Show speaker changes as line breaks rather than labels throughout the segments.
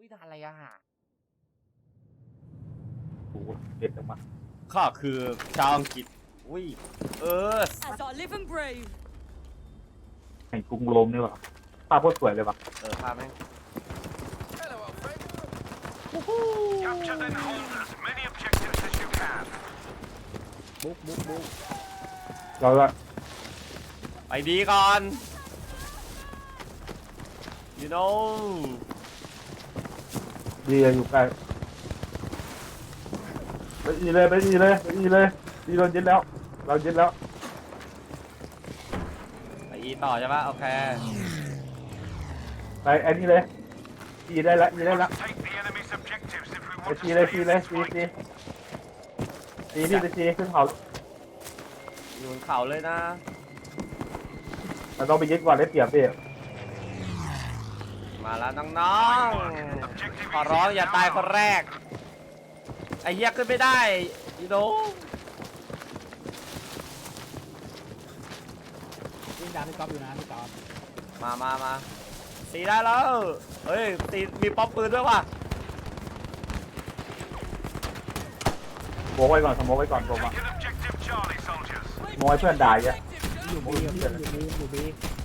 อุ้ยด่านอะไรอะ
โอ้โหเด็ดออกมา
ข้าคือชาวอังกฤษอุ้ย
As I live and brave.
แห่งกรุงโรมนี่หว่าภาพโคตรสวยเลยว่ะ
ภาพแม่ง
Hello, Alfred. Capture then hold as many objectives as you can.
บุ๊ก
เราก็
ไปดีก่อน you know
ดีอยู่ใกล้ไปอีเลยไปอีเลยไปอีเลยดีโดนยึดแล้วเรายึดแล้ว
ไปอีต่อใช่ปะโอเค
ไปอันนี้เลยอีได้ละอีได้ละ
Take the enemy's objectives if we
ไป
want
ตี
to
เลย
stay
ตี
in
เลย
this
ตี
fight.
ตีตีพี่ไปตีขึ้นเขา
อยู่บนเขาเลยนะ
เราต้องไปยึดก่อนได้เปรียบพี่
มาแล้วน้องๆขอร้องอย่าตายคนแรกไอ้เหี้ยขึ้นไม่ได้ you know
วิ่งตามพี่ก๊อฟอยู่นะพี่ก๊อฟ
มาตีได้แล้วเฮ้ยตีมีป๊อปปืนด้วยว่ะ
โมกไว้ก่อนสโมกไว้ก่อนผมอ่ะ
Take an objective, Charlie, soldiers.
โมให้เพื่อนด่าอ่ะ
อยู่บีอยู่บี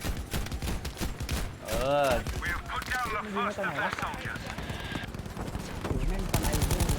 เออ
We have put down the first of their soldiers.
อยู่แม่งอะไรอยู่เนี่ย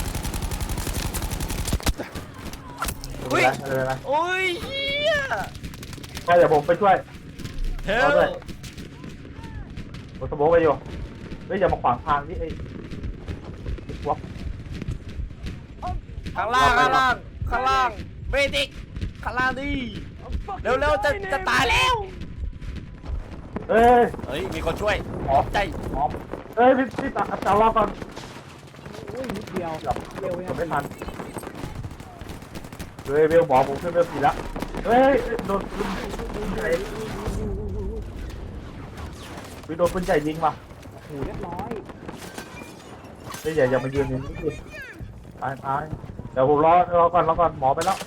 ไม่เป็นไรไม่เป็นไร
โอ้ยเหี้ย
ก็เดี๋ยวผมไปช่วย
เฮ
เอา
ล
ด้วย ผมสโมกไปอยู่เฮ้ยอย่ามาขวางทางนี่ไอ้พวก
ข้างล่างเบดิกข้างล่างดิเร็วจะตายแล้ว
เอ้ย
เฮ้ยมีคนช่วย
หมอ
ใจ
หมอเอ้ยพี่ตารอก่อน
โอ้ยนิดเดียว
เดี๋ยว
เร็ว
ผมไม่ทันเฮ้ยเวลหมอผมขึ้นเวล4แล้วเฮ้ยโดนปืนใหญ่โดนปืนใหญ่ยิงมา
โอ้เรียบร้อย
เฮ้ยอย่ามายืนอย่างนี้ดิตายเดี๋ยวผมรอก่อนหมอไปแล้ว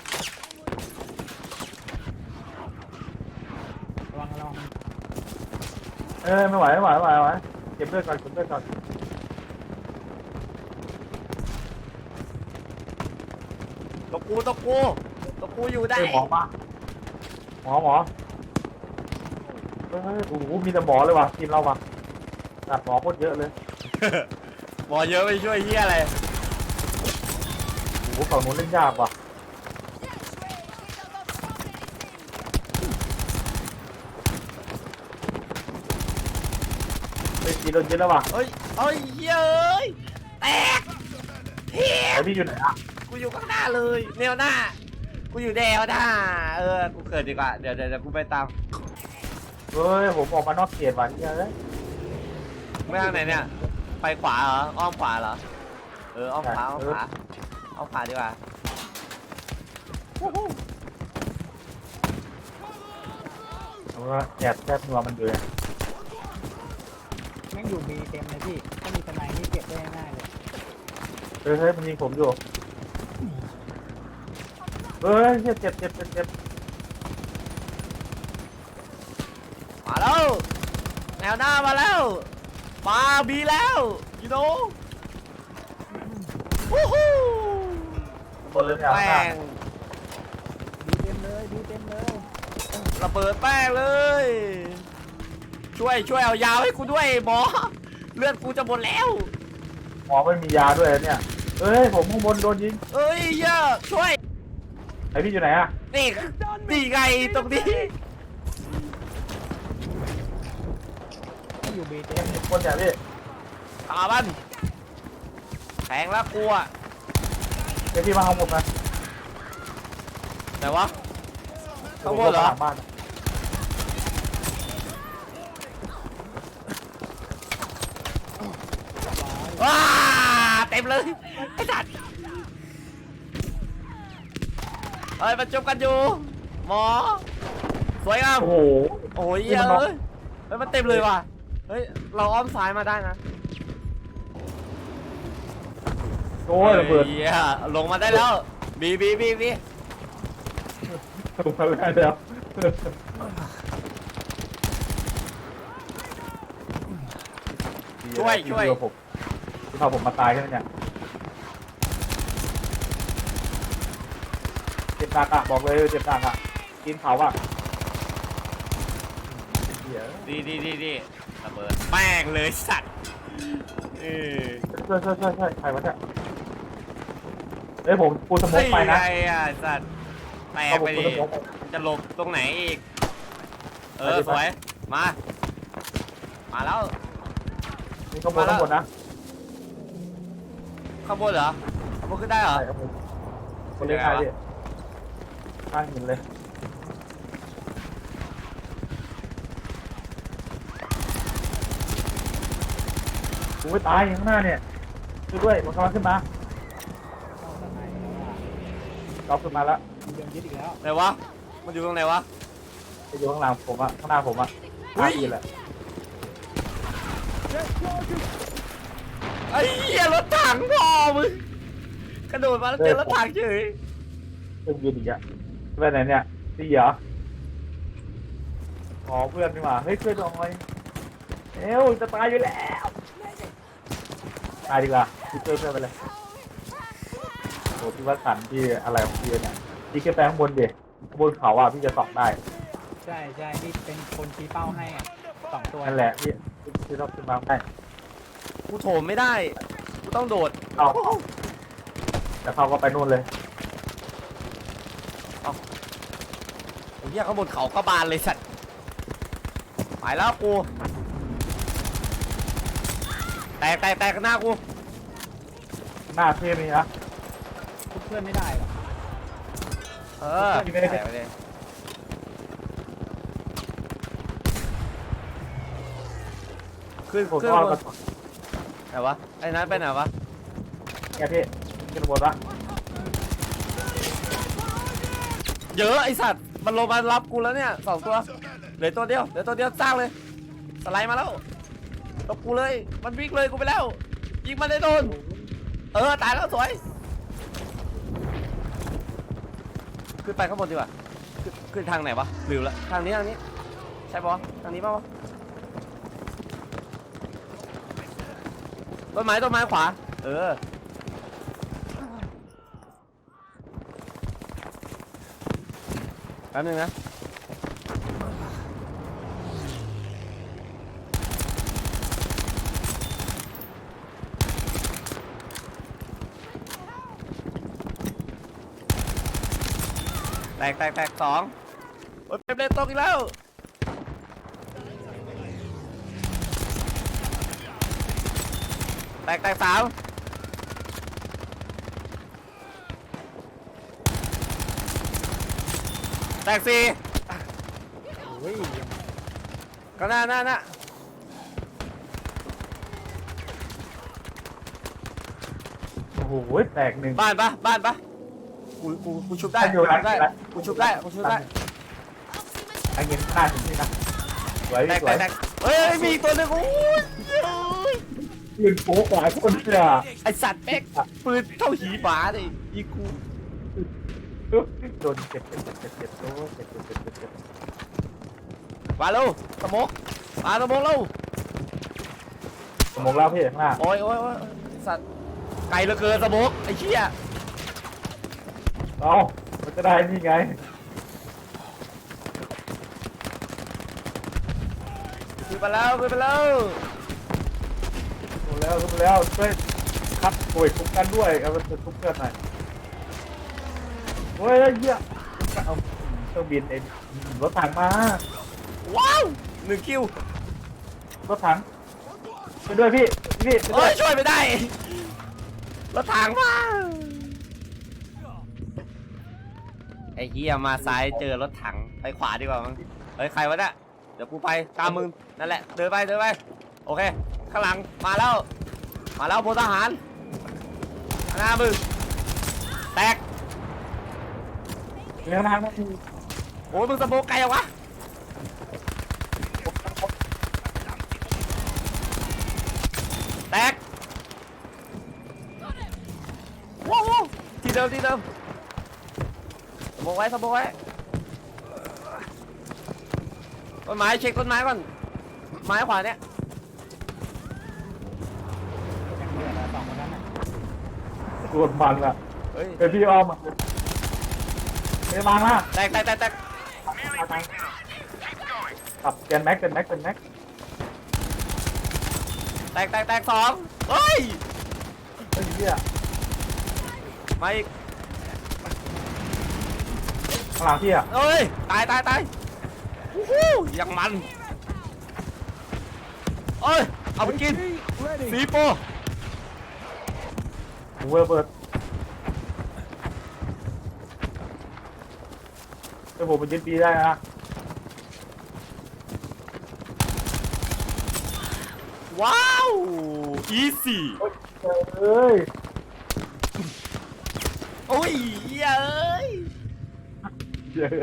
ระวัง
เอ้ยไม่ไหวเก็บเลือดก่อน
ตะกูอยู่ได้
เฮ้ยหมอมาหมอเฮ้ยโอ้โหมีแต่หมอเลยว่ะทีมเราว่ะตัดหมอโคตรเยอะเลย
หมอเยอะไปช่วยเฮียอะไร
โอ้โหฝั่งนู้นเล่นยากว่ะเฮ้ยทีโดนยึดแล้วว่ะ
เฮ้ยเฮ้ยแตกเฮีย
ไอพี่อยู่ไหนอ่ะ
กูอยู่ข้างหน้าเลยแนวหน้ากูอยู่แนวหน้ากูเกิดดีกว่าเดี๋ยวกูไปตาม
เฮ้ยผมออกมานอกเขตว่ะเนี่ยเอ้ย
ไม่ทางไหนเนี่ยไปขวาเหรออ้อมขวาเหรออ้อมขวาดีกว่า
เอาละแอบแทบนัวมันอยู่เลย
แม่งอยู่บีเต็มเลยพี่ถ้ามีทนายนี่เก็บได้ง่ายเลย
เฮ้ยมันยิงผมอยู่เฮ้ยเจ็บ
มาแล้วแนวหน้ามาแล้วมาบีแล้วยูโน่วู้ฮู้
คนเลยเนี่ย
แป้ง
บีเต็มเลย
ระเบิดแป้งเลยช่วยเอายาวให้กูด้วยหมอเลือดกูจะหมดแล้ว
หมอไม่มียาด้วยเนี่ยเฮ้ยผมข้างบนโดนยิง
เอ้ยเยอะช่วย
ไอพี่อยู่ไหนอ่ะ
นี่ไงตรงนี้
ถ้าอยู่บีเต็
เต็
ม
มคนเนี่ยพี่
ตาบันแทงแล้วกูอะ
เดี๋ยวพี่มาเอาผมนะ
ไหนวะข้างบ
ผม
นเหรอ
หลังบ้าน
ว้าเต็มเลยไอ้สัตว์เฮ้ยมันจบกันอยู่หมอสวยงาม
โอ้โห
โอ้ยเยอะเลยเฮ้ยมันเต็มเลยว่ะเฮ้ยเราอ้อมซ้ายมาได้นะ
โอ้ยระเบิด
เหี้ยลงมาได้แล้วบี
ถูกมาแล้ว
ช่ช่วย
ที่ผมที่พาผมมาตายใช่ไหมเนี่ยเจ็บหนักอ่ะบอกเลยเจ็บหนักอ่ะกินเผาอ่ะเหี้ย
ดีระเบิดแป้งเลยสัตว์
ใช่ใครวะเนี่ยเฮ้ยผมปูสโมกไปนะ
ไอ้อ่ะสัตว์แตกไปดิจะหลบตรงไหนอีกสวยมาแล้ว
นี่ก็บนทั้งหมดนะ
ข้างบนเหรอข้างบนขึ้นได้เหรอ
ใช่ครับผมคนเล่นไทยดิข้างหินเลยกูไม่ตายข้างหน้าเนี่ยช่วยด้วยมันกำลังขึ้นมา
เข้าสไนแล้วอ่ะ
เราขึ้นมาแล้ว
มีโดนยึดอีกแล้ว
ไหนวะมันอยู่ตรงไหนวะ
ไปอยู่ข้างหลังผมอะข้างหน้าผมอะข้างอีแหละ
ไอ้เหี้ยรถถังพ่อมึงกระโดดมาแล้วเจอรถถังเฉย
เครื่องบินอีกอะไปไหนเนี่ยตีเหรออ๋อเพื่อนนี่หว่าเฮ้ยเพื่อนน้อยเอ้วจะตายอยู่แล้วตายดีกว่าพี่เพื่อนไปเลยโอ้พี่วัดสันที่อะไรของพี่เนี่ยพี่แค่แปลงข้างบนดิข้างบนเขาอะพี่จะส่องได้
ใช่นี่เป็นคนชี้เป้าให้อ่ะ2 ตัว
นั่นแหละพี่ต้องขึ้นมาได้
กูโถมไม่ได้กูต้องโดด
เอาแต่เขาก็ไปนู่นเลย
ไอ้เหี้ยข้างบนเขาก็บานเลยสัตว์ไปแล้วกูแตกหน้ากู
หน้าเท่นี่นะ
ทุบเพื่อนไม่ได้หรอก
แตกไปเลยขึ้น
ผม
ขึ้น
ก็
บนไหนวะไอ้นั้นไปไหนวะ
แกพี่ขึ้นบนวะ
เยอะไอสัตว์มันลงมารับกูแล้วเนี่ย2 ตัวเหลือตัวเดียวสร้างเลยสไลด์มาแล้วตบกูเลยมันวิ่งเลยกูไปแล้วยิงมันได้โดนตายแล้วสวยขึ้นไปข้างบนดีกว่าขึ้นทางไหนวะลืมละทางนี้ใช่ปะทางนี้ปะวะต้นไม้ขวาแป๊บนึงนะแตก2โอ้ยเป็นตกอีกแล้วแตก3แตก4
โอ้ย
ก็น่า
โอ้โหแตกหนึ่ง
บ้านปะกูชุบได้
อยู่หลัง
กูชุบได้
ไอ้เงินหน้าถึงนี่นะสวย
แตก
สวย
เฮ้ยมีอีกตัวหนึงโอ้ย
ยืนโป๊กหลายคนเสีย
ไอสัตว์เป๊กปืนเท่าหีหมาเลยยิงกู
โดนเจ็บโอ้เจ็บ
มาเร็วสมกมาสมกเร็ว
สมองแล้วพี่ข้างหน้า
โอ้ยสัตว์ไกลเหลือเกินสมกไอ้เชี่ย
เอามันจะได้นี่ไง
ขึ้นไปแล้ว
หมดแล้วช่วยคัดป่วยคุ้มกันด้วยเอาไปคุ้มกันหน่อยโอ้ยเหี้ยเอาเครื่องบินเองรถถังมา
ว้าว1 คิว
รถถังไปด้วยพี่ไป
โอ้
ด้วย
ยช่วยไม่ได้รถถังมาไอ้เหี้ยมาซ้ายเจอรถถังไปขวาดีกว่ามั้งเฮ้ยใครวะเนี่ยเดี๋ยวกูไปตามมึงนั่นแหละเดินไปโอเคข้างหลังมาแล้วพลทหารหน้ามึงแตก
เลี้ยงทางนะ
โอ้ยมึงสะโพกไกลอะวะแตกว้าวที่เดิมสะโพกไว้ต้นไม้เช็คต้นไม้ก่อนไม้ขวาเนี่ย
ส่วนมันอะ
เฮ้ย
เป็นพี่อ้อมอะเฮ้ยมาละ
แตกแตกแตกแตก
ขับเกินแม็กเกินแม็กเกินแม็ก
แตกแตกแตกสองเฮ้ย
เฮ้ยเหี้ย
มาอีก
ข้างหลังพี่อะ
เอ้ยตายตายตายวู้ฮู้ยังมันเอ้ยเอาไปกินสีโป
หูระเบิดเดี๋ยวผมไปยึดบีได้นะ
ว้าวอีซี่
เฮ้ย
โอ้ยเหี้ยเอ้ย
เยอะ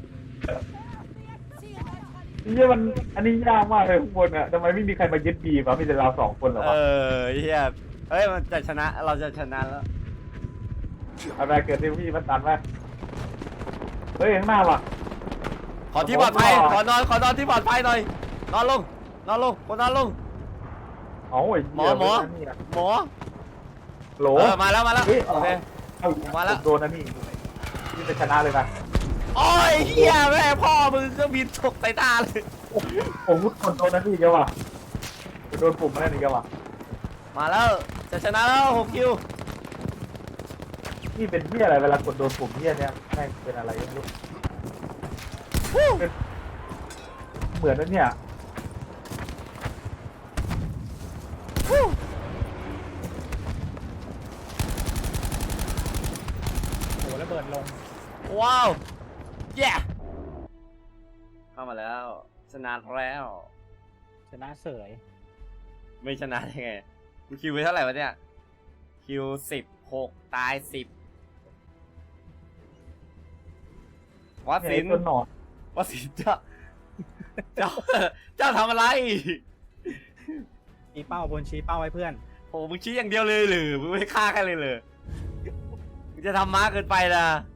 นี่มันอันนี้ยากมากเลยข้างบนอะทำไมไม่มีใครมายึดบีวะมีแต่เรา2 คนเหรอ
เอ
วะ
อเหี้ยเฮ้ยมันจะชนะเราจะชนะแล้ว
อะไรเกิดที่พี่มันตันไหมเฮ้ยข้างหน้าว่ะ
ขอที่ปลอดภัยขอนอนที่ปลอดภัยหน่อยนอนลงคนนอนลง
โอ้ย
หมอ
หมอ โหล
เออมาแล้ว
เฮ้ย
โอเค
เอา
มาแล้ว
โดนนะนี่จะชนะเลยนะ
โอ้ยเหี้ยแม่พ่อมึงก็บินตกใส่ตาเลย
ผมกดโดนนะนี่เยอะว่ะโดนปุ่มมาแล้วนี่เยอะว่ะ
มาแล้วจะชนะแล้ว6 คิว
นี่เป็นเหี้ยอะไรเวลากดโดนปุ่มเหี้ยเนี่ยแม่งเป็นอะไรไม่รู้เป็นเหมือนนั่นเนี่ย
โหระเบิดลง
ว้าวเย้เข้ามาแล้วชนะแล้ว
ชนะเสย
ไม่ชนะได้ไงกูคิวไปเท่าไหร่วะเนี่ยคิว16ตาย10วัด
เนี่ย
สิ
ไอ้
น
ตัวหนอน
วัดสินเจ้าทำอะไร
ชี้เป้าบนชี้เป้าไว้เพื่อน
โอ้มึงชี้อย่างเดียวเลยหรือมึงไม่ฆ่าใครเลยเหรอมึงจะทำม้าเกินไปนะ